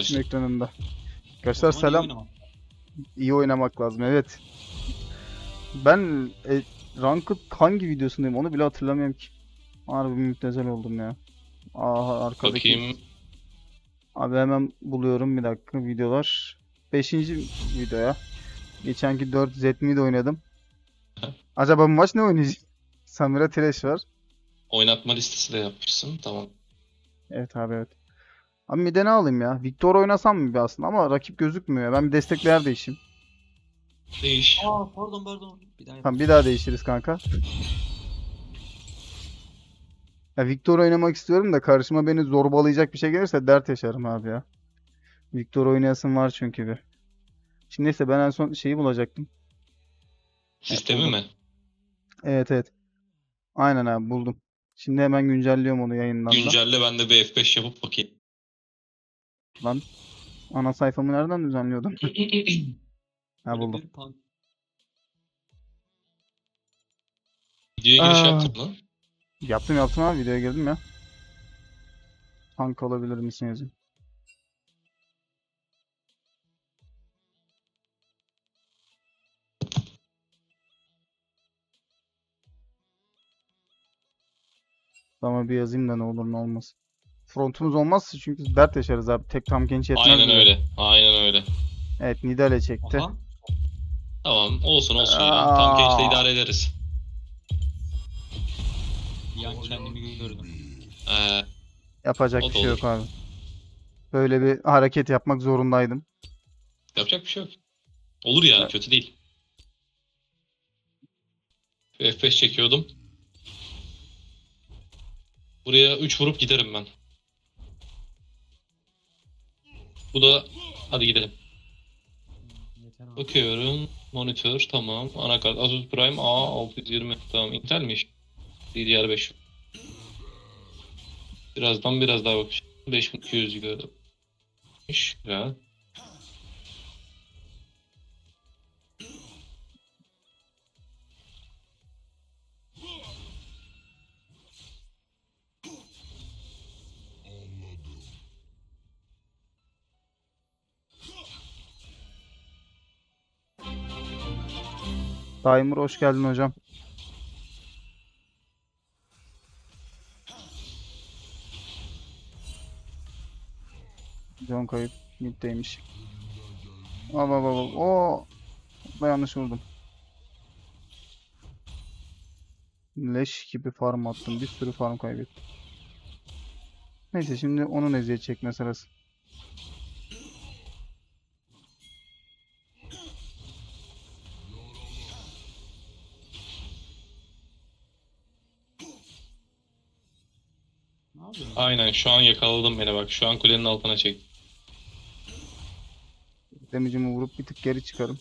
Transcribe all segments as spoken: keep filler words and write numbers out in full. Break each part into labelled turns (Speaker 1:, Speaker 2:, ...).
Speaker 1: Steam ekranında.
Speaker 2: O
Speaker 1: Arkadaşlar
Speaker 2: zaman iyi
Speaker 1: selam.
Speaker 2: oynamak.
Speaker 1: İyi oynamak lazım, evet. Ben e, Ranked hangi videosundayım onu bile hatırlamıyorum ki. Harbi müptezel oldum ya. Aha arkadaki.
Speaker 3: Bakayım.
Speaker 1: Abi hemen buluyorum bir dakika videolar. Beşinci videoya. Geçenki dört Zetmi'de oynadım. Acaba bu maç ne oynayacak? Samira Thresh var.
Speaker 3: Oynatma listesi de yapmışsın. Tamam.
Speaker 1: Evet abi, evet. Abi bir de ne alayım ya? Victor oynasam mı bir aslında ama rakip gözükmüyor. Ben bir destekler değişeyim.
Speaker 3: Değiş.
Speaker 2: Aa pardon pardon. Bir daha
Speaker 1: Tamam,
Speaker 2: yapalım.
Speaker 1: bir daha değişiriz kanka. Ya Victor oynamak istiyorum da karşıma beni zorbalayacak bir şey gelirse dert yaşarım abi ya. Victor oynayasım var çünkü bir. Şimdi neyse, ben en son şeyi bulacaktım. Evet,
Speaker 3: Sistemi
Speaker 1: buldum.
Speaker 3: mi?
Speaker 1: Evet, evet. Aynen abi, buldum. Şimdi hemen güncelliyorum onu yayından da.
Speaker 3: Güncelle, ben de bir F beş yapıp bakayım.
Speaker 1: Lan, ana sayfamı nereden düzenliyordum? Ha,
Speaker 2: Böyle
Speaker 1: buldum.
Speaker 2: bir pan.
Speaker 3: Videoya giriş
Speaker 1: Aa,
Speaker 3: yaptın mı?
Speaker 1: yaptım yaptım abi, videoya girdim ya. Tank olabilir misin yazayım. Ama bir yazayım da ne olur ne olmaz. Frontumuz olmazsa çünkü dert yaşarız abi. Tek tam genç yetmez
Speaker 3: Aynen
Speaker 1: bize.
Speaker 3: öyle. Aynen öyle.
Speaker 1: Evet, Nidale çekti.
Speaker 2: Aha.
Speaker 3: Tamam. Olsun olsun ya. Tam gençle
Speaker 1: Aa,
Speaker 3: idare ederiz.
Speaker 2: Bir an kendimi gördüm.
Speaker 3: Ee,
Speaker 1: yapacak
Speaker 3: o
Speaker 1: bir
Speaker 3: da
Speaker 1: şey
Speaker 3: olur.
Speaker 1: yok abi. Böyle bir hareket yapmak zorundaydım.
Speaker 3: Yapacak bir şey yok. Olur yani.
Speaker 1: Evet.
Speaker 3: Kötü değil. Bir F beş çekiyordum. Buraya üç vurup giderim ben. Bu da... Hadi gidelim.
Speaker 2: Yeter abi.
Speaker 3: Bakıyorum. Monitör tamam. Anakart Asus Prime A altı yüz yirmi. Tamam. Intel'miş. D D R beş. Birazdan biraz daha bakacağım. beş bin iki yüz gördüm. Güzel.
Speaker 1: Daimur hoş geldin hocam. John kayıp. Mid'deymiş. Al al al. Oo, da yanlış vurdum. Leş gibi farm attım. Bir sürü farm kaybettim. Neyse, şimdi onun eziyet çekme sırası.
Speaker 2: Ne yapıyorsun?
Speaker 3: Aynen şu an yakaladım beni bak. Şu an kulenin altına çek.
Speaker 1: Damage'imi vurup bir tık geri çıkarım.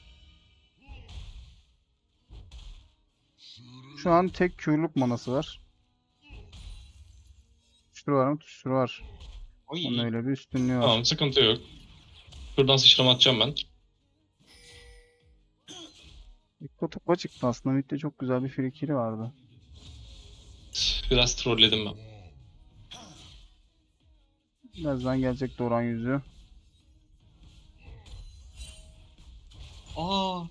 Speaker 1: Şu an tek Q'luk manası var. Tuşturu var mı? Tuşturu var. Onun
Speaker 2: Oy.
Speaker 1: öyle bir üstünlüğü var.
Speaker 3: Tamam, sıkıntı yok. Şuradan sıçrama atacağım ben.
Speaker 1: Ekko topa çıktı aslında. Mid'de çok güzel bir free kill'i vardı.
Speaker 3: Biraz trolledim ben.
Speaker 1: Birazdan gelecek Doran yüzü.
Speaker 2: Aa.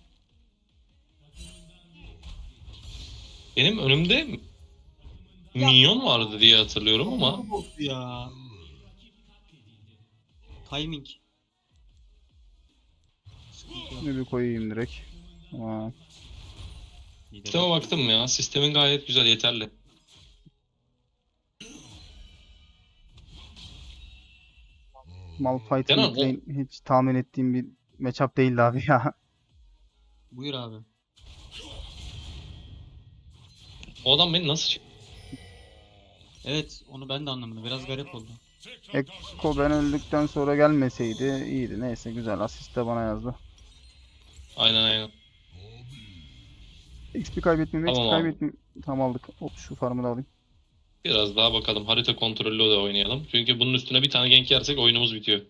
Speaker 3: Benim önümde minyon vardı diye hatırlıyorum ama
Speaker 2: Çok bozdu ya. Timing. Sıkıntı yok.
Speaker 1: Şunu bir koyayım direkt. Aa,
Speaker 2: İyi de
Speaker 3: sisteme
Speaker 2: bak.
Speaker 3: baktım ya. Sistemin gayet güzel, yeterli.
Speaker 1: Malphite
Speaker 3: Kenan
Speaker 1: mid
Speaker 3: o,
Speaker 1: lane hiç tahmin ettiğim bir matchup değildi abi ya.
Speaker 2: Buyur abi.
Speaker 3: o adam beni nasıl çek-
Speaker 2: Evet onu ben de anlamadım. Biraz garip oldu.
Speaker 1: Ekko ben öldükten sonra gelmeseydi iyiydi. Neyse, güzel asist de bana yazdı.
Speaker 3: Aynen aynen.
Speaker 1: X P kaybetmeyeyim, X P
Speaker 3: Tamam abi.
Speaker 1: kaybetmeyeyim. Tam aldık. Hop, şu farmı da alayım.
Speaker 3: Biraz daha bakalım. Harita kontrollü de oynayalım. Çünkü bunun üstüne bir tane gank yersek oyunumuz bitiyor.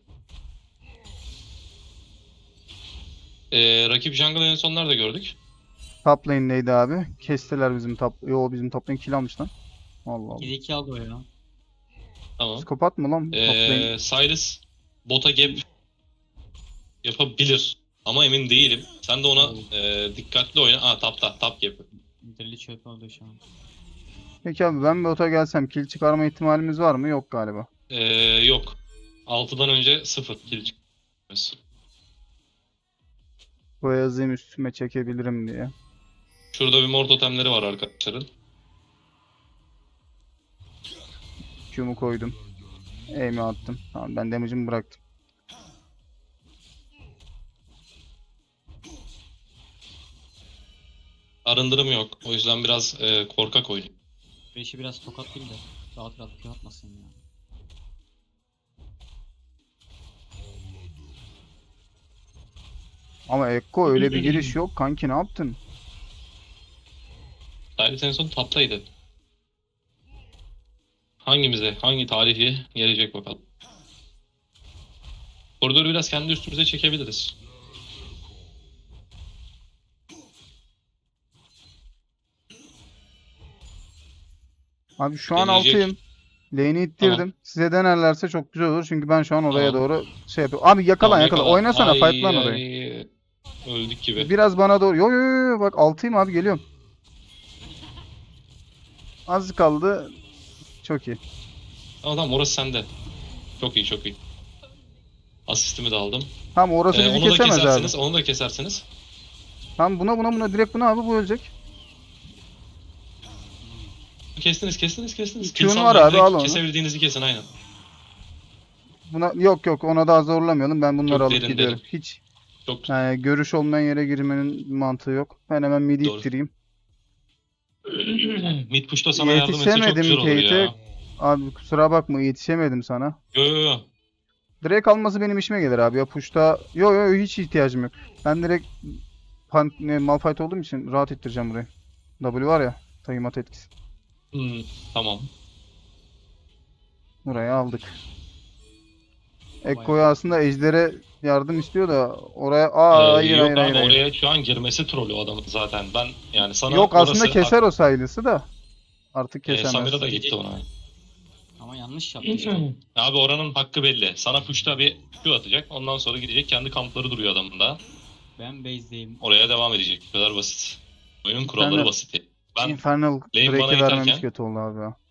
Speaker 3: Ee, rakip jungle en son nerede gördük?
Speaker 1: Top lane'deydi abi. Kestiler bizim top. Yo, bizim top lane kill almış lan. Allah Allah.
Speaker 2: ikide iki aldı o ya.
Speaker 3: Tamam.
Speaker 1: Psikopat mı lan top lane?
Speaker 3: Ee, Sylas bota gap yapabilir. Ama emin değilim. Sen de ona e, dikkatli oyna. Aa tapta, tap gap.
Speaker 2: Deli çöp oldu şu an.
Speaker 1: Peki abi ben bota gelsem kill çıkarma ihtimalimiz var mı? Yok galiba.
Speaker 3: E, yok. altıdan önce sıfır kill çıkmaz.
Speaker 1: Bu yazayım üstüme çekebilirim diye.
Speaker 3: Şurada bir mor totemleri var arkadaşların.
Speaker 1: Q'mu koydum. Aim'i attım. Tamam ben damage'ımı bıraktım.
Speaker 3: Arındırım yok. O yüzden biraz e, korkak oynuyor.
Speaker 2: Beşi biraz tokat değil de rahat rahat Q atmasın ya.
Speaker 1: Ama Ekko öyle bir giriş yok. Kanki ne yaptın?
Speaker 3: Silas en son taptaydı. Hangimize, hangi tarihi gelecek bakalım. Koridoru biraz kendi üstümüze çekebiliriz.
Speaker 1: Abi şu an
Speaker 3: Gelecek.
Speaker 1: altıyım. Lane'i ittirdim.
Speaker 3: Tamam.
Speaker 1: Size denerlerse çok güzel olur. Çünkü ben şu an oraya
Speaker 3: Tamam.
Speaker 1: doğru şey yapıyorum. Abi yakala
Speaker 3: Tamam,
Speaker 1: yakala.
Speaker 3: yakala.
Speaker 1: Oynasana
Speaker 3: Ay,
Speaker 1: fight lan orayı.
Speaker 3: ay. Öldük gibi.
Speaker 1: Biraz bana doğru. Yo yo yo yo. Bak altıyım abi geliyorum. Az kaldı. Çok iyi.
Speaker 3: Tamam tamam orası sende. Çok iyi çok iyi. Asistimi de aldım.
Speaker 1: Tamam orası
Speaker 3: Ee,
Speaker 1: bizi
Speaker 3: onu da
Speaker 1: kesemez abi.
Speaker 3: kesersiniz, onu da kesersiniz.
Speaker 1: Tamam buna buna buna direkt buna abi bu ölecek.
Speaker 3: Kestiniz, kestiniz, kestiniz.
Speaker 1: Q'nu
Speaker 3: Kill
Speaker 1: var
Speaker 3: salmayın,
Speaker 1: abi,
Speaker 3: direkt
Speaker 1: al onu.
Speaker 3: kesebildiğinizi kesin aynen.
Speaker 1: Buna yok yok ona daha zorlamayalım. Ben bunları
Speaker 3: Çok
Speaker 1: alıp
Speaker 3: derin,
Speaker 1: gidiyorum.
Speaker 3: derin.
Speaker 1: Hiç
Speaker 3: Çok
Speaker 1: yani görüş olmayan yere girmenin mantığı yok. Ben hemen midi
Speaker 3: Doğru.
Speaker 1: ittireyim.
Speaker 3: Mid push'ta sana yardım etse çok
Speaker 1: Yetişemedim
Speaker 3: güzel olur
Speaker 1: Kate'e.
Speaker 3: ya.
Speaker 1: Abi kusura bakma yetişemedim sana.
Speaker 3: Yo yo yo.
Speaker 1: Drake alması benim işime gelir abi ya push'ta. Yo yo yo, hiç ihtiyacım yok. Ben direkt pan, ne, Malphite olduğum için rahat ittireceğim burayı. W var ya. Tayimat etkisi.
Speaker 3: Hmm, tamam.
Speaker 1: Burayı aldık. Ekko'ya aslında Ejder'e yardım istiyor da oraya aa
Speaker 3: Ee,
Speaker 1: hayır
Speaker 3: yok
Speaker 1: hayır
Speaker 3: abi
Speaker 1: hayır. hayır.
Speaker 3: oraya şu an girmesi trollü o adamın zaten. Ben yani sana
Speaker 1: Yok aslında
Speaker 3: orası
Speaker 1: keser o Sylas'ı da. Artık
Speaker 3: Ee,
Speaker 1: kesemez.
Speaker 3: Samira da gitti ona.
Speaker 2: Ama yanlış yaptı işte.
Speaker 3: Abi oranın hakkı belli. Sana push'ta bir Q atacak. Ondan sonra gidecek kendi kampları duruyor adamın da.
Speaker 2: Ben base'deyim.
Speaker 3: Oraya devam edecek. Bu kadar basit. Oyunun kuralları
Speaker 1: Infernal-
Speaker 3: basit. Ben
Speaker 1: Infernal
Speaker 3: lane bana
Speaker 1: Drake'i vermemiş
Speaker 3: iterken
Speaker 1: kötü oldu abi ya.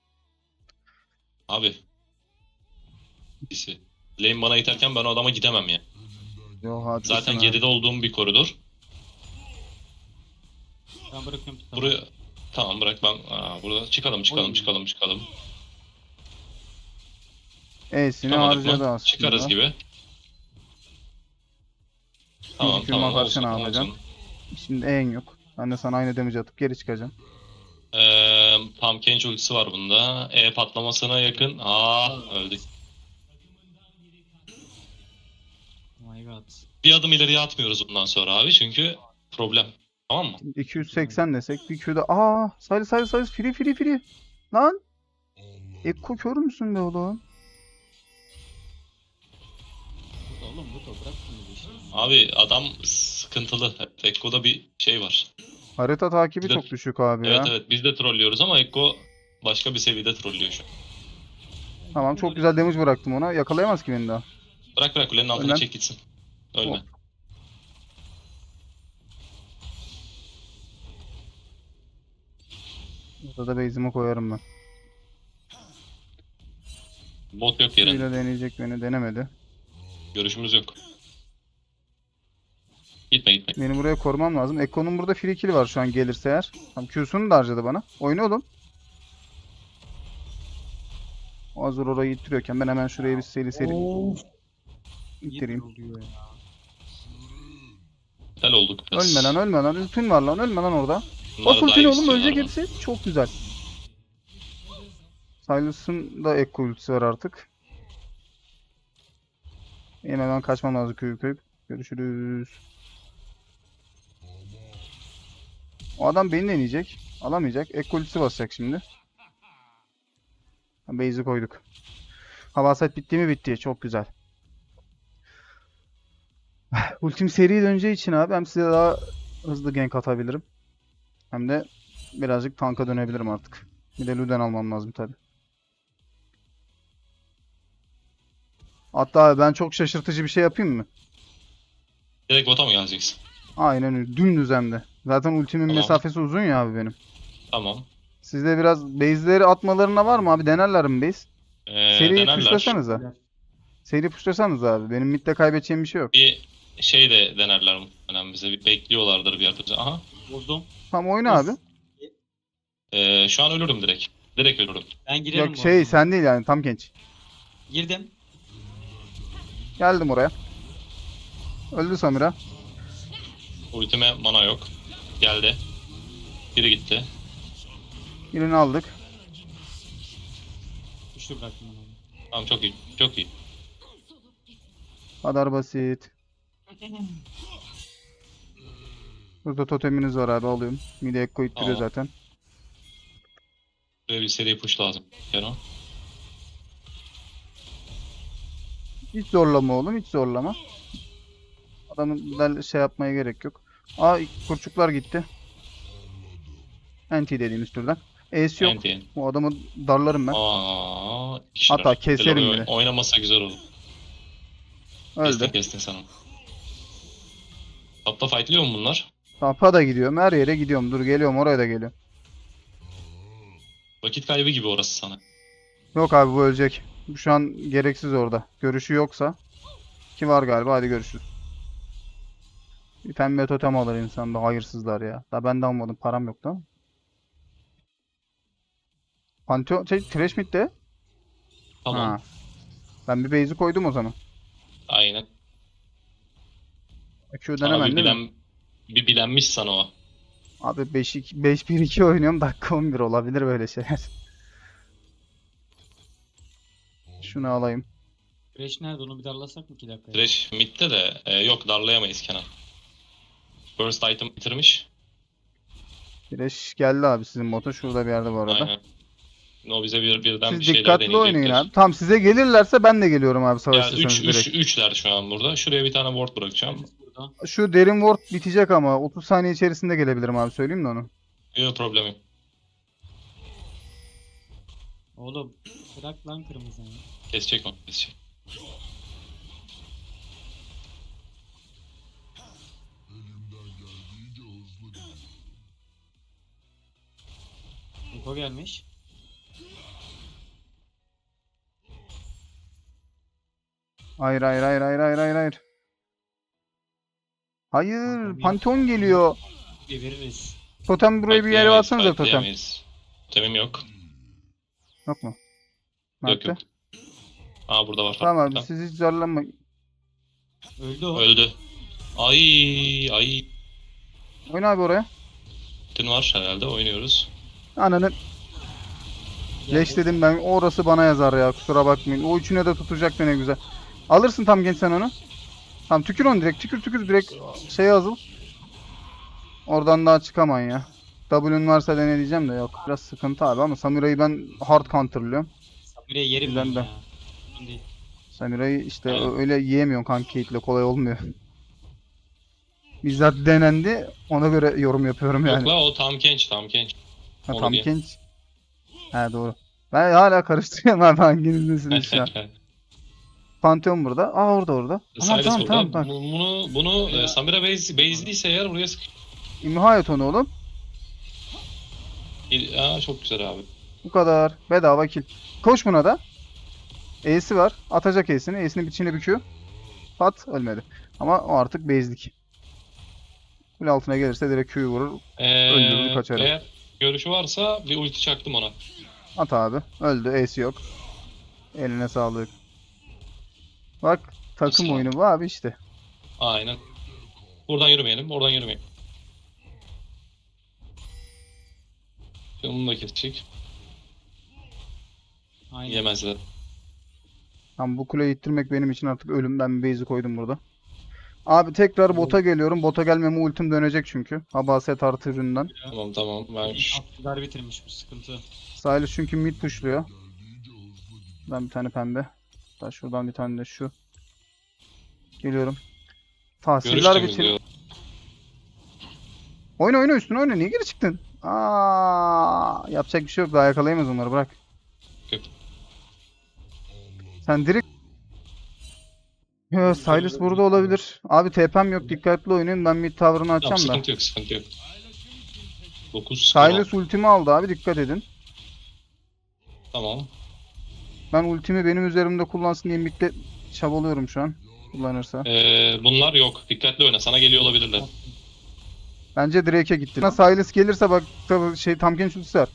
Speaker 3: abi birisi. Lane bana iterken ben o adama gidemem ya.
Speaker 1: Yo haklısın
Speaker 3: Zaten
Speaker 1: abi.
Speaker 3: geride olduğum bir koridor.
Speaker 2: Ben bırakıyorum tutamam.
Speaker 3: Buraya tamam bırak ben Aa, burada çıkalım çıkalım
Speaker 2: Oy.
Speaker 3: çıkalım çıkalım.
Speaker 1: E'sini
Speaker 3: Çıkamadık
Speaker 1: harcadı
Speaker 3: mı?
Speaker 1: aslında.
Speaker 3: Çıkarız gibi. Tamam
Speaker 1: Kürma
Speaker 3: tamam
Speaker 1: karşı
Speaker 3: olsun
Speaker 1: ne yapacağım?
Speaker 3: olsun.
Speaker 1: Şimdi E'in yok. Ben de sana aynı damage atıp geri çıkacağım.
Speaker 3: Ee, tam Kench ultisi var bunda. E patlamasına yakın. Aa öldük.
Speaker 2: Oh my god.
Speaker 3: Bir adım ileriye atmıyoruz bundan sonra abi çünkü problem. Tamam mı?
Speaker 1: iki yüz seksen desek bir Q'da. Aa, sayı sayı sayı free free free. Lan. Ekko kör müsün be oğlum?
Speaker 2: Bu da oğlum bu da bırak bunu işte.
Speaker 3: Abi adam sıkıntılı. Ekko'da bir şey var.
Speaker 1: Harita takibi
Speaker 3: Bir de-
Speaker 1: çok düşük abi
Speaker 3: Evet
Speaker 1: ya.
Speaker 3: evet biz de trollüyoruz ama Ekko başka bir seviyede trollüyor şu an.
Speaker 1: Tamam çok güzel damage bıraktım ona. Yakalayamaz ki beni daha.
Speaker 3: Bırak bırak kulenin altına
Speaker 1: Ölmem.
Speaker 3: çek gitsin. Ölme.
Speaker 1: Hop. Burada da base'imi koyarım ben.
Speaker 3: Bot yok yere.
Speaker 1: Şöyle deneyecek beni denemedi.
Speaker 3: Görüşümüz yok. Gitme gitme.
Speaker 1: Beni buraya korumam lazım. Ekko'nun burada free kill var şu an gelirse eğer. Tam Q'sunu da harcadı bana. Oyna oğlum. O hazır orayı ittiriyorken ben hemen şuraya bir seri seri ittireyim.
Speaker 2: oluyor ya.
Speaker 3: Tel olduk biraz.
Speaker 1: Ölme lan ölme lan. Ultin var lan ölme lan orada.
Speaker 3: Bunlar
Speaker 1: Bas ultini
Speaker 3: dive
Speaker 1: oğlum
Speaker 3: istiyorlar
Speaker 1: ölecek
Speaker 3: ama.
Speaker 1: hepsi. Çok güzel. Sylas'ın da Ekko ultisi var artık. Benim hemen kaçmam lazım köyüp köyüp. Görüşürüz. O adam beni deneyecek. Alamayacak. Ekko ultisi basacak şimdi. Base'i koyduk. Hava set bitti mi bitti. Çok güzel. Ultim seri döneceği için abi hem size daha hızlı gank atabilirim. Hem de birazcık tanka dönebilirim artık. Bir de Luden almam lazım tabi. Hatta ben çok şaşırtıcı bir şey yapayım mı?
Speaker 3: Direkt bota mı geleceksin?
Speaker 1: Aynen öyle. Dümdüz hem de. Zaten ultimin
Speaker 3: Tamam.
Speaker 1: mesafesi uzun ya abi benim.
Speaker 3: Tamam.
Speaker 1: Sizde biraz base'leri atmalarına var mı abi? Denerler mi base?
Speaker 3: Ee,
Speaker 1: Seriyi
Speaker 3: denerler.
Speaker 1: pushlasanıza. Seri pushlasanız abi. Benim midde kaybedeceğim bir şey yok.
Speaker 3: Bir şey de denerler muhtemelen bize. Bir bekliyorlardır bir yerde. Aha.
Speaker 2: Bozdum.
Speaker 1: Tamam oyna abi.
Speaker 3: Ee, şu an ölürüm direkt. Direkt ölürüm.
Speaker 2: Ben girerim
Speaker 1: Yok
Speaker 2: bu
Speaker 1: şey
Speaker 2: arada.
Speaker 1: sen değil yani tam genç.
Speaker 2: Girdim.
Speaker 1: Geldim oraya. Öldü Samira.
Speaker 3: Ultime mana yok. Geldi. Biri gitti.
Speaker 1: Birini aldık.
Speaker 2: Güçlü bıraktım onu.
Speaker 3: Tamam çok iyi. Çok iyi.
Speaker 1: Kadar basit. Burada toteminiz var abi alıyorum. Mide Ekko ittiriyor
Speaker 3: Tamam.
Speaker 1: zaten.
Speaker 3: Buraya bir seri push lazım. Kenan.
Speaker 1: Hiç zorlama oğlum hiç zorlama. Adamın del- şey yapmaya gerek yok. Aa kurçuklar gitti. Anti dediğimiz türden. Ace yok.
Speaker 3: Anti.
Speaker 1: Bu adamı darlarım ben.
Speaker 3: Aa, kişiler.
Speaker 1: Hatta keserim
Speaker 3: Güzel
Speaker 1: bile.
Speaker 3: oy- Oynamasa güzel olur. Kestin
Speaker 1: Öldü.
Speaker 3: kestin sen onu. Topta fightlıyor mu bunlar?
Speaker 1: Tapa da gidiyorum. Her yere gidiyorum. Dur geliyorum oraya da geliyorum.
Speaker 3: Vakit kaybı gibi orası sana.
Speaker 1: Yok abi bu ölecek. Şu an gereksiz orada. Görüşü yoksa. Ki var galiba hadi görüşürüz. Bir pembe totem alır insan da hayırsızlar ya. Daha ben de almadım param yoktu ama. Pantheon şey Thresh mid'de.
Speaker 3: Tamam.
Speaker 1: Ha. Ben bir base'i koydum o zaman.
Speaker 3: Aynen.
Speaker 1: Q'dan
Speaker 3: Sana
Speaker 1: hemen
Speaker 3: bir
Speaker 1: değil mi?
Speaker 3: bilen bir bilenmiş sana o.
Speaker 1: Abi beş iki beş bir iki oynuyorum. Dakika on bir olabilir böyle şeyler. Şunu alayım.
Speaker 2: Thresh nerede onu bir darlasak mı iki dakika?
Speaker 3: Thresh midde de e, yok darlayamayız Kenan. First item bitirmiş.
Speaker 1: Thresh geldi abi sizin bota. Şurada bir yerde bu arada.
Speaker 3: Aynen. O bize bir birden bir
Speaker 1: Siz
Speaker 3: şeyler
Speaker 1: dikkatli oynayın
Speaker 3: deneyecekler.
Speaker 1: abi. Tamam size gelirlerse ben de geliyorum abi
Speaker 3: Ya
Speaker 1: savaşırsanız
Speaker 3: üç üç
Speaker 1: direkt.
Speaker 3: üçler şu an burada. Şuraya bir tane ward bırakacağım.
Speaker 2: Herkes burada.
Speaker 1: Şu derin ward bitecek ama otuz saniye içerisinde gelebilirim abi söyleyeyim de onu.
Speaker 3: Yok problemi.
Speaker 2: Oğlum bırak lan kırmızıyı.
Speaker 3: Kesecek onu. Kesecek.
Speaker 2: Niko gelmiş.
Speaker 1: Hayır hayır hayır hayır hayır hayır hayır. Hayır Pantheon geliyor.
Speaker 2: Bir veririz.
Speaker 1: Totem buraya bir yere
Speaker 3: Fightlayamayız,
Speaker 1: atsanıza totem.
Speaker 3: fightlayamayız. Totemim yok.
Speaker 1: Yok mu?
Speaker 3: Yok
Speaker 1: Nerede?
Speaker 3: yok. Aa burada var.
Speaker 1: Tamam abi
Speaker 3: Tamam.
Speaker 1: siz hiç zorlanmayın.
Speaker 2: Öldü o.
Speaker 3: Öldü. Ay ay.
Speaker 1: Oyna abi oraya.
Speaker 3: Tün var herhalde oynuyoruz.
Speaker 1: Ananı
Speaker 2: Geldi.
Speaker 1: leş dedim ben. Orası bana yazar ya kusura bakmayın. O üçüne de tutacaktı ne güzel. Alırsın tam genç sen onu. Tam tükür onu direkt. Tükür tükür direkt şeye azıl. Oradan daha çıkamayın ya. W'un varsa dene diyeceğim de yok. Biraz sıkıntı abi ama Samurai'yi ben hard counterlıyorum.
Speaker 2: Samira'yı yerim
Speaker 1: Bizden
Speaker 2: ben
Speaker 1: de.
Speaker 2: ya. Sorun değil.
Speaker 1: Samurai'yi işte
Speaker 3: Evet.
Speaker 1: ö- öyle yiyemiyorsun kanka Kate'le kolay olmuyor. Bizzat denendi ona göre yorum yapıyorum
Speaker 3: Yok
Speaker 1: yani.
Speaker 3: la o tam genç tam genç.
Speaker 1: Ha,
Speaker 3: onu
Speaker 1: tam
Speaker 3: diye.
Speaker 1: genç. He doğru. Ben hala karıştırıyorum abi hanginizsiniz şu an. Pantheon burada. Aa orada orada. Tamam
Speaker 3: Silas
Speaker 1: tamam
Speaker 3: burada.
Speaker 1: tamam bak.
Speaker 3: Bu- Bunu bunu e, Samira base base'liyse eğer buraya sık.
Speaker 1: İmha et onu oğlum.
Speaker 3: Aa çok güzel abi.
Speaker 1: Bu kadar. Bedava kill. Koş buna da. E'si var. Atacak E'sini. E'sini içine büküyor. Pat ölmedi. Ama o artık base'lik. Kule altına gelirse direkt Q'yu vurur.
Speaker 3: Ee,
Speaker 1: Öldürür, kaçarım.
Speaker 3: Eğer görüşü varsa bir ulti çaktım ona.
Speaker 1: At abi. Öldü. E'si yok. Eline sağlık. Bak takım
Speaker 3: Sağ ol.
Speaker 1: oyunu bu abi işte.
Speaker 3: Aynen. Buradan yürümeyelim, oradan yürümeyelim. Şimdi bunu da kesecek.
Speaker 2: Aynen.
Speaker 3: Yemezler.
Speaker 1: Tam bu kuleyi ittirmek benim için artık ölüm. Ben bir base'i koydum burada. Abi tekrar bota geliyorum. Bota gelmeme ultim dönecek çünkü. Habaset artı üründen.
Speaker 3: Tamam tamam. Ben şu-
Speaker 2: Altlar bitirmiş bu sıkıntı.
Speaker 1: Silas çünkü mid pushluyor. Ben bir tane pembe. Hatta şuradan bir tane de şu. Geliyorum. Tahsiller
Speaker 3: görüştüm
Speaker 1: bitir.
Speaker 3: diyor.
Speaker 1: Oyna oyna üstüne oyna. Niye geri çıktın? Aa, yapacak bir şey yok. Daha yakalayamaz onları bırak.
Speaker 3: Yok.
Speaker 1: Sen direkt Yo, Sylas burada olabilir. Abi T P'm yok, dikkatli oynayın. Ben mid tower'ını
Speaker 3: Tamam,
Speaker 1: açacağım da.
Speaker 3: sıkıntı yok, sıkıntı yok. dokuz
Speaker 1: Sylas ultimi aldı abi, dikkat edin.
Speaker 3: Tamam.
Speaker 1: Ben ultimi benim üzerimde kullansın diye midde çabalıyorum şu an. Kullanırsa.
Speaker 3: Ee, bunlar yok. Dikkatli oyna. Sana geliyor olabilirler.
Speaker 1: Bence Drake'e gitti. Sylas gelirse bak tabii şey Tampkin ultisi var.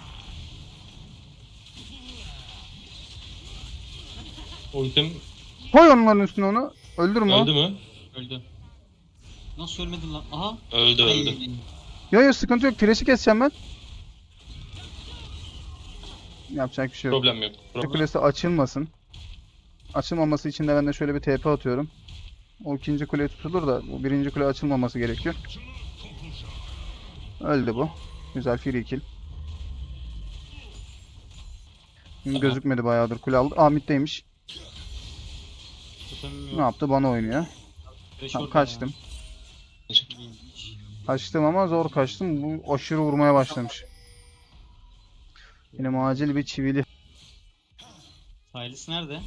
Speaker 3: Ultim
Speaker 1: Koy onların üstüne onu. Öldürme o.
Speaker 3: öldü mü?
Speaker 2: Öldü. Nasıl ölmedin lan? Aha.
Speaker 3: Öldü,
Speaker 2: Ay.
Speaker 3: öldü.
Speaker 1: Yo yo, sıkıntı yok. Thresh'i keseceğim ben. Yapacak bir şey yok.
Speaker 3: Problem yok. Problem.
Speaker 1: Kulesi açılmasın. Açılmaması için de ben de şöyle bir T P atıyorum. O ikinci kule tutulur da bu birinci kule açılmaması gerekiyor. Öldü bu. Güzel free kill.
Speaker 3: Tamam.
Speaker 1: Gözükmedi bayağıdır kule aldı. Aa middeymiş.
Speaker 2: Totemim
Speaker 1: Ne
Speaker 2: yok.
Speaker 1: yaptı? Bana oynuyor.
Speaker 2: Thresh
Speaker 1: Tamam,
Speaker 2: orada
Speaker 1: kaçtım.
Speaker 2: ya. İyiymiş.
Speaker 1: Kaçtım ama zor kaçtım. Bu aşırı vurmaya başlamış. Benim acil bir çivili.
Speaker 2: Sylas nerede?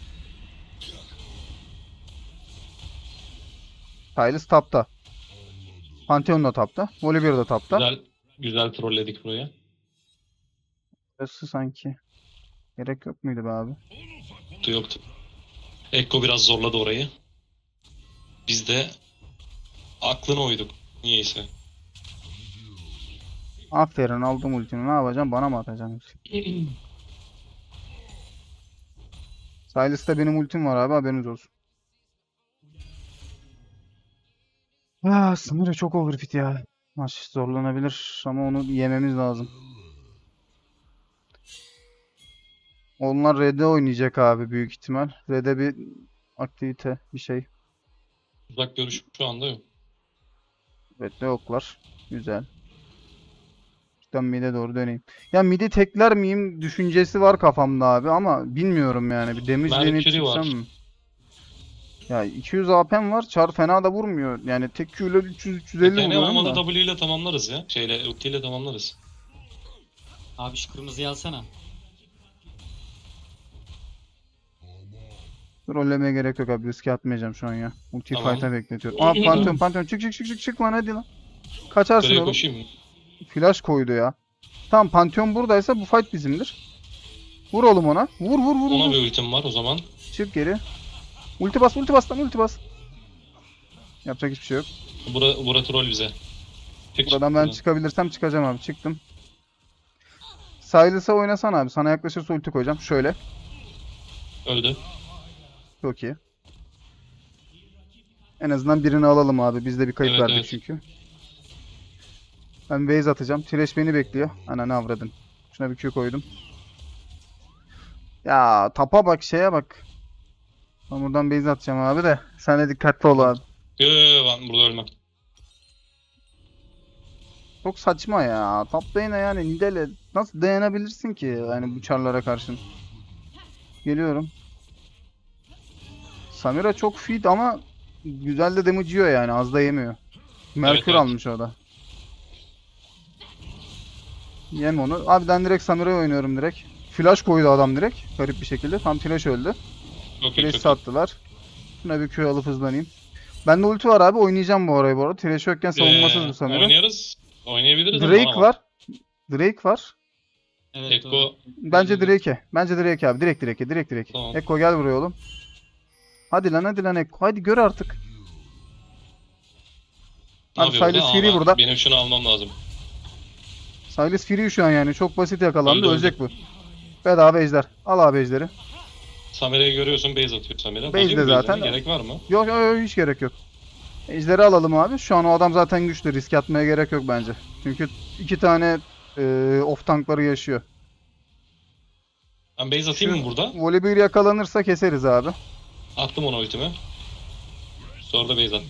Speaker 1: Sylas tapta. Pantheon da tapta. Volibear da tapta.
Speaker 3: Güzel, güzel trolledik buraya.
Speaker 1: Burası sanki. Gerek yok muydu be abi?
Speaker 3: Yoktu, yoktu. Ekko biraz zorladı orayı. Biz de aklına uyduk. Niyeyse.
Speaker 1: Aferin, aldım ultini. Ne yapacağım? Bana mı atacaksın? Sylas'ta benim ultim var abi, haberiniz olsun. Ah, Samira çok overfit ya. Maç zorlanabilir ama onu yememiz lazım. Onlar Red'e oynayacak abi büyük ihtimal. Red'e bir aktivite, bir şey.
Speaker 3: Uzak görüş şu anda yok.
Speaker 1: Red'de yoklar. Güzel. Şuradan mid'e doğru döneyim. Ya mid'i tekler miyim düşüncesi var kafamda abi ama bilmiyorum yani. Bir damage deneyip
Speaker 3: Mercury var.
Speaker 1: çıksam mı? Ya iki yüz A P'm var. Char fena da vurmuyor. Yani tek Q ile üç yüz üç yüz elli
Speaker 3: Yani
Speaker 1: vuruyorum
Speaker 3: olmadı
Speaker 1: da.
Speaker 3: W ile tamamlarız ya. Şeyle, ulti ile tamamlarız.
Speaker 2: Abi şu kırmızıyı alsana.
Speaker 1: Rollemeye gerek yok abi. Riske atmayacağım şu an ya. Ulti
Speaker 3: Tamam.
Speaker 1: fight'a bekletiyorum. Aa, Pantheon Pantheon çık çık çık çık çık lan hadi lan. Kaçarsın
Speaker 3: Şuraya
Speaker 1: oğlum.
Speaker 3: koşayım mı?
Speaker 1: Flash koydu ya. Tamam, Pantheon buradaysa bu fight bizimdir. Vur oğlum ona. Vur vur vur
Speaker 3: Ona
Speaker 1: vur.
Speaker 3: bir ultim var o zaman.
Speaker 1: Çık geri. Ulti bas ulti bas lan ulti bas. Yapacak hiçbir şey yok.
Speaker 3: Bura, bura troll bize. Çık,
Speaker 1: Buradan
Speaker 3: çık
Speaker 1: ben
Speaker 3: buradan.
Speaker 1: çıkabilirsem çıkacağım abi. Çıktım. Sylas'a oynasan abi. Sana yaklaşırsa ulti koyacağım. Şöyle.
Speaker 3: Öldü.
Speaker 1: Çok iyi. En azından birini alalım abi. Biz de bir kayıp
Speaker 3: Evet,
Speaker 1: verdik
Speaker 3: evet.
Speaker 1: çünkü. Ben base atacağım. Thresh beni bekliyor. Ananı avradın. Şuna bir Q koydum. Ya tapa bak, şeye bak. Ben buradan base atacağım abi de. Sen de dikkatli ol abi.
Speaker 3: Yo, yo, yo, ben burada ölmem.
Speaker 1: Çok saçma ya. Top lane'e yani Nidale nasıl dayanabilirsin ki yani bu çarlara karşın? Geliyorum. Samira çok fit ama güzel de damage yiyor yani, az da yemiyor. Merkür
Speaker 3: evet.
Speaker 1: almış o da. Yem onu. Abi ben direkt Samira'ya oynuyorum direkt. Flash koydu adam direkt. Garip bir şekilde. Tam Thresh öldü.
Speaker 3: Çok iyi,
Speaker 1: Thresh
Speaker 3: çok iyi.
Speaker 1: sattılar. Şuna bir Q alıp hızlanayım. Bende ulti var abi, oynayacağım bu arayı bu arada. Thresh yokken savunmasız
Speaker 3: Ee,
Speaker 1: bu Samira.
Speaker 3: Oynarız. Oynayabiliriz ama
Speaker 1: Drake
Speaker 3: ama.
Speaker 1: var. Drake var.
Speaker 2: Evet doğru.
Speaker 3: Ekko
Speaker 1: Bence Drake'e. Bence Drake abi. Direkt Drake'e. Direkt Drake'e.
Speaker 3: Tamam.
Speaker 1: Ekko gel buraya oğlum. Hadi lan hadi lan Ekko. Hadi gör artık.
Speaker 3: ne
Speaker 1: Abi
Speaker 3: yapıyor burada?
Speaker 1: Sylas
Speaker 3: Aa,
Speaker 1: Fury
Speaker 3: ben-
Speaker 1: burada.
Speaker 3: Benim şunu almam lazım.
Speaker 1: Sylas Fury şu an yani. Çok basit yakalandı.
Speaker 3: Öldü, öldü.
Speaker 1: Ölecek bu. Bedava ejder. Al abi ejderi.
Speaker 3: Samira'yı görüyorsun, base atıyor Samira.
Speaker 1: Base
Speaker 3: Alayım
Speaker 1: de
Speaker 3: mı base'ini?
Speaker 1: zaten.
Speaker 3: Gerek var mı?
Speaker 1: Yok yok yok, hiç gerek yok. Ejderi alalım abi. Şu an o adam zaten güçlü. Risk atmaya gerek yok bence. Çünkü iki tane e, off tankları yaşıyor.
Speaker 3: Ben base atayım
Speaker 1: Şu
Speaker 3: mı burada?
Speaker 1: Volibear yakalanırsa keseriz abi.
Speaker 3: Attım ona ultimi. Sonra da base attım.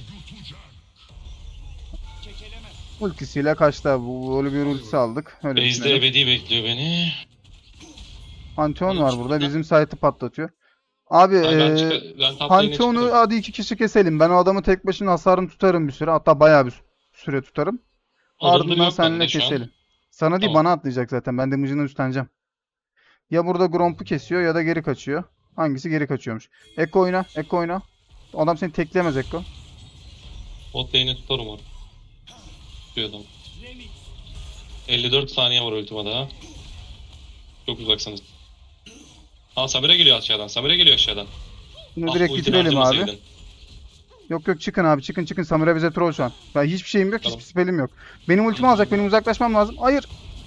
Speaker 1: Ultisiyle kaçtı abi. Bu Volibear ultisi aldık. Öyle
Speaker 3: Base'de
Speaker 1: düşünelim.
Speaker 3: ebedi bekliyor beni.
Speaker 1: Pantheon var burada. Bizim site'ı patlatıyor. Abi
Speaker 3: Ay, ben,
Speaker 1: e,
Speaker 3: çık ben top lane'e
Speaker 1: Pantheon'u
Speaker 3: çıktım.
Speaker 1: hadi iki kişi keselim. Ben o adamı tek başına hasarını tutarım bir süre. Hatta bayağı bir süre tutarım.
Speaker 3: Adamları
Speaker 1: Ardından
Speaker 3: yok
Speaker 1: seninle
Speaker 3: bende şu an.
Speaker 1: keselim. Sana değil
Speaker 3: Tamam.
Speaker 1: bana atlayacak zaten. Ben damage'ını üstleneceğim. Ya burada Gromp'u kesiyor ya da geri kaçıyor. Hangisi geri kaçıyormuş. Ekko oyna. Ekko oyna. Adam seni tekleyemez Ekko.
Speaker 3: Bot lane'i tutarım onu. Tutuyor adam. elli dört saniye var ultimada. Çok uzaksınız. Aa Samira geliyor aşağıdan. Samira geliyor aşağıdan.
Speaker 1: Bunu
Speaker 3: Ah,
Speaker 1: direkt
Speaker 3: ultini
Speaker 1: bitirelim abi.
Speaker 3: harcamasaydın.
Speaker 1: Yok yok çıkın abi çıkın çıkın. Samira bize troll şu an. Ben hiçbir şeyim yok,
Speaker 3: Tamam.
Speaker 1: hiçbir spellim yok. Benim ultimi alacak, benim uzaklaşmam lazım. Hayır.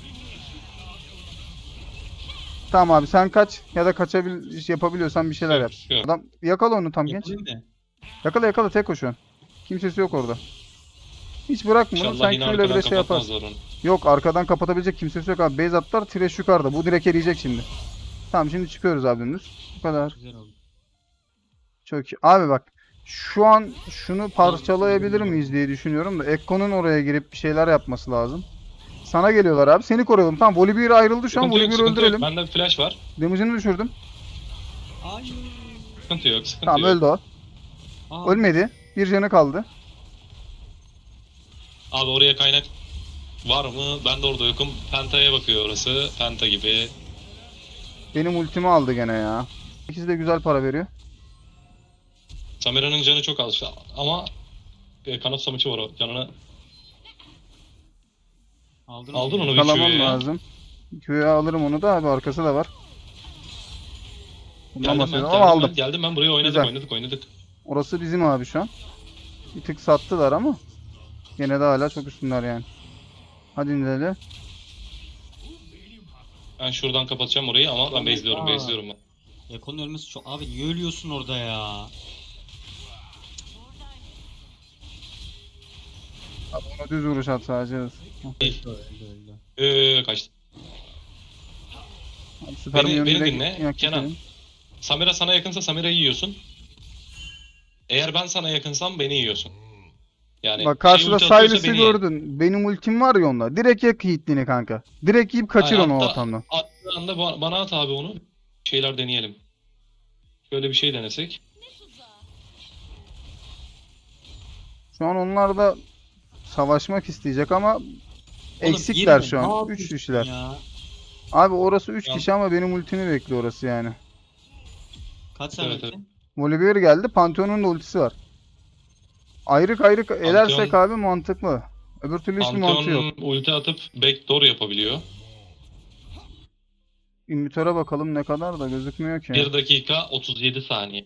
Speaker 1: Tamam abi sen kaç ya da kaçabil yapabiliyorsan bir şeyler yap.
Speaker 3: Yok.
Speaker 1: Adam yakala onu tam genç.
Speaker 2: Yapayım mı?
Speaker 1: Yakala yakala tek o şu an. Kimsesi yok orada. Hiç bırakma onu.
Speaker 3: İnşallah
Speaker 1: Sen
Speaker 3: yine
Speaker 1: şöyle
Speaker 3: arkadan
Speaker 1: bile şey yaparsın.
Speaker 3: kapatmazlar onu.
Speaker 1: Yok arkadan kapatabilecek kimsesi yok abi. Base atlar, Thresh yukarıda. Bu direkt eriyecek şimdi. Tamam şimdi çıkıyoruz abi dümdüz. Bu kadar.
Speaker 2: Güzel oldu.
Speaker 1: Çok iyi. Abi bak şu an şunu parçalayabilir miyiz diye düşünüyorum da Ekko'nun oraya girip bir şeyler yapması lazım. Sana geliyorlar abi. Seni koruyalım. Tamam Volibear ayrıldı şu an.
Speaker 3: Sıkıntı yok,
Speaker 1: Volibear'ı
Speaker 3: sıkıntı yok.
Speaker 1: öldürelim.
Speaker 3: Bende bir flash var.
Speaker 1: Damage'ını düşürdüm.
Speaker 2: Hayır.
Speaker 3: Sıkıntı yok, sıkıntı
Speaker 1: Tamam
Speaker 3: yok.
Speaker 1: öldü o.
Speaker 2: Aa,
Speaker 1: Ölmedi. Bir canı kaldı.
Speaker 3: Abi oraya kaynak var mı? Ben de orada yokum. Penta'ya bakıyor orası. Penta gibi.
Speaker 1: Benim ultimi aldı gene ya. İkisi de güzel para veriyor.
Speaker 3: Samira'nın canı çok az ama e, kanat samuçu var o canını.
Speaker 2: aldın,
Speaker 3: Aldın onu bir
Speaker 1: Kalamam
Speaker 3: Q'ya.
Speaker 1: lazım. Q'ya alırım onu da abi. Arkası da var. Bundan
Speaker 3: Geldim ben,
Speaker 1: bahsediyorum
Speaker 3: geldim
Speaker 1: ama
Speaker 3: ben,
Speaker 1: aldım.
Speaker 3: geldim ben buraya oynadık,
Speaker 1: Güzel.
Speaker 3: oynadık, oynadık.
Speaker 1: Orası bizim abi şu an. Bir tık sattılar ama gene de hala çok üstünler yani. Hadi inelim.
Speaker 3: Ben şuradan kapatacağım orayı ama ben base'liyorum,
Speaker 2: Aa.
Speaker 3: base'liyorum ben.
Speaker 2: Ekonun ölmesi çok... Abi niye ölüyorsun orada ya?
Speaker 1: Abi ona düz vuruş at sadece.
Speaker 2: Öldü öldü öldü.
Speaker 3: Ee, kaçtı.
Speaker 1: Abi süper
Speaker 3: Beni-
Speaker 1: minyonu
Speaker 3: beni
Speaker 1: direkt
Speaker 3: dinle,
Speaker 1: yak
Speaker 3: Kenan.
Speaker 1: geçelim.
Speaker 3: Samira sana yakınsa Samira'yı yiyorsun. Eğer ben sana yakınsam beni yiyorsun. Yani
Speaker 1: Bak
Speaker 3: şey
Speaker 1: karşıda
Speaker 3: ulti atıyorsa
Speaker 1: Silas'ı
Speaker 3: beni ye.
Speaker 1: gördün. Benim ultim var ya onda. Direkt yak hitliğini kanka. Direkt yiyip kaçır
Speaker 3: Aynen,
Speaker 1: onu o
Speaker 3: hatta-
Speaker 1: ortamdan.
Speaker 3: Attığı anda ba- bana at abi onu. Şeyler deneyelim. Şöyle bir şey denesek.
Speaker 1: Şu an onlar da savaşmak isteyecek ama
Speaker 2: Oğlum,
Speaker 1: eksikler
Speaker 2: girme,
Speaker 1: şu
Speaker 2: ne
Speaker 1: an.
Speaker 2: yapıyorsun
Speaker 1: üç kişiler.
Speaker 2: ya?
Speaker 1: Abi orası üç
Speaker 3: Ya.
Speaker 1: kişi ama benim ultimi bekliyor orası yani.
Speaker 2: Kaç
Speaker 3: Evet,
Speaker 2: saniye?
Speaker 1: Volibear geldi. Pantheon'un da ultisi var. Ayrık ayrık edersek abi mantıklı. Öbür türlü hiçbir mantığı yok.
Speaker 3: Pantheon ulti atıp backdoor yapabiliyor.
Speaker 1: İnvitöre bakalım ne kadar da gözükmüyor ki.
Speaker 3: bir dakika otuz yedi saniye.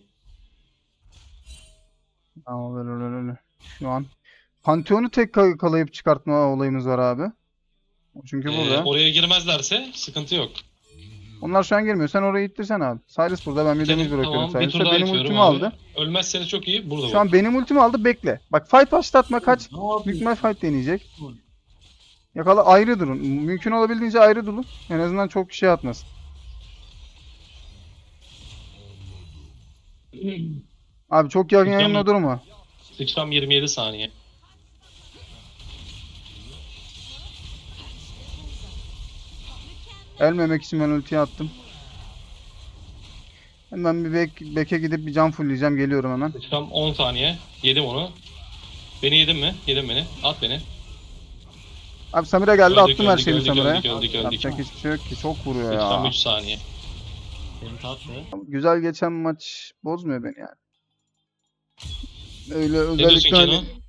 Speaker 1: Ama öyle öyle öyle. Şu an Pantheon'u tek kal- kalayıp çıkartma olayımız var abi. O çünkü
Speaker 3: Ee,
Speaker 1: burada.
Speaker 3: oraya girmezlerse sıkıntı yok.
Speaker 1: Onlar şu an girmiyor. Sen orayı ittirsen abi. Silas burada. Ben bir
Speaker 3: Senin-
Speaker 1: damage bırakıyorum
Speaker 3: tamam, bir tur
Speaker 1: Silas'a.
Speaker 3: daha
Speaker 1: Benim
Speaker 3: itiyorum
Speaker 1: ultimi
Speaker 3: abi.
Speaker 1: aldı.
Speaker 3: Ölmezseniz çok iyi. Burada
Speaker 1: Şu
Speaker 3: bak.
Speaker 1: an benim ultimi aldı. Bekle. Bak fight başlatma. Kaç.
Speaker 2: Ne
Speaker 1: Büyük
Speaker 2: yapıyorsun?
Speaker 1: ihtimal fight deneyecek. Yakala ayrı durun. Mümkün olabildiğince ayrı durun. En azından çok şey atmasın. Abi çok yakın
Speaker 3: Sıçram-
Speaker 1: yanına durma.
Speaker 3: Sıçram yirmi yedi saniye.
Speaker 1: Ölmemek için ben ultiyi attım. Hemen bir bek, beke gidip bir can fullleyeceğim. Geliyorum hemen.
Speaker 3: Sıçram on saniye. Yedim onu. Beni yedin mi? Yedin beni. At beni.
Speaker 1: Abi Samira geldi.
Speaker 3: Öldük,
Speaker 1: attım her
Speaker 3: öldük,
Speaker 1: şeyi
Speaker 3: öldük,
Speaker 1: Samira'ya.
Speaker 3: öldük, öldük, öldük.
Speaker 1: Yapacak hiçbir şey yok ki. Çok vuruyor
Speaker 3: Sıçram
Speaker 1: ya.
Speaker 3: üç saniye.
Speaker 2: Benim tatlı.
Speaker 1: Güzel geçen maç bozmuyor beni yani. Öyle
Speaker 3: diyorsun
Speaker 1: özellikle
Speaker 3: Kenan?
Speaker 1: hani